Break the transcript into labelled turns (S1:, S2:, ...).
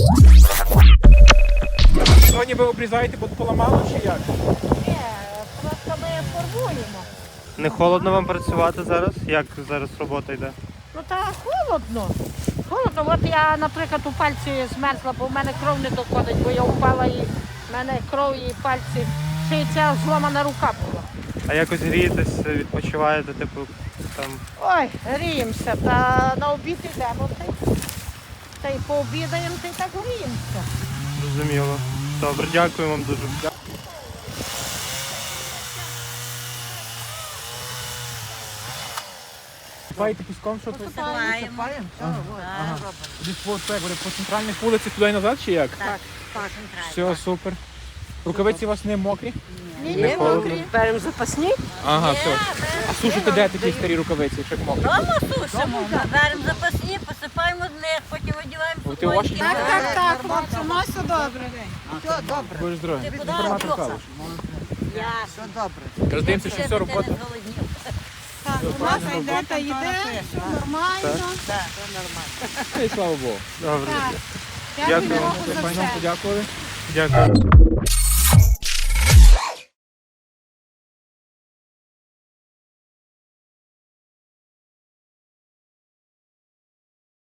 S1: Сьогодні ви обрізаєте, бо поламало чи як?
S2: Ні, просто ми фарбуємо.
S3: Не холодно вам працювати зараз? Як зараз робота йде?
S2: Ну та холодно. Холодно. От я, наприклад, у пальці змерзла, бо в мене кров не доходить, бо я впала і в мене кров і пальці. Ще й ця зломана рука була.
S3: А якось грієтесь, відпочиваєте, типу, там.
S2: Ой, гріємося, та на обід йдемо. Та й пообідаємо, та й так гріємося.
S3: Зрозуміло. Добре, дякую вам дуже.
S1: Сипаєте піском, що тут?
S2: Посипаємо.
S1: Ага. Десь по центральних вулицях туди і назад чи як?
S2: Так, так.
S1: Все, супер. Рукавиці у вас не мокрі?
S2: Ні,
S3: Не
S2: ні,
S3: холодно.
S2: мокрі. Беремо запасні.
S1: Ага, все. А сушите де такі старі рукавиці, якщо мокрі?
S4: Дома сушимо, беремо запасні, посипаємо з них, потім одягаємо
S1: О, ти ваші?
S4: футболки.
S5: Так, хлопці, у нас все добре. Все добре.
S1: Будеш здорові.
S4: Ти куди
S1: Інформатор
S4: рухався?
S1: Калуш.
S5: Все добре.
S1: Роздивимося, що все робота.
S5: Так, у нас йде та йде, все нормально.
S1: І слава Богу.
S3: Добре.
S5: Так.
S3: Дякую.
S5: Дякую Богу за
S1: Файно
S5: все.
S1: подякували.
S3: Дякую.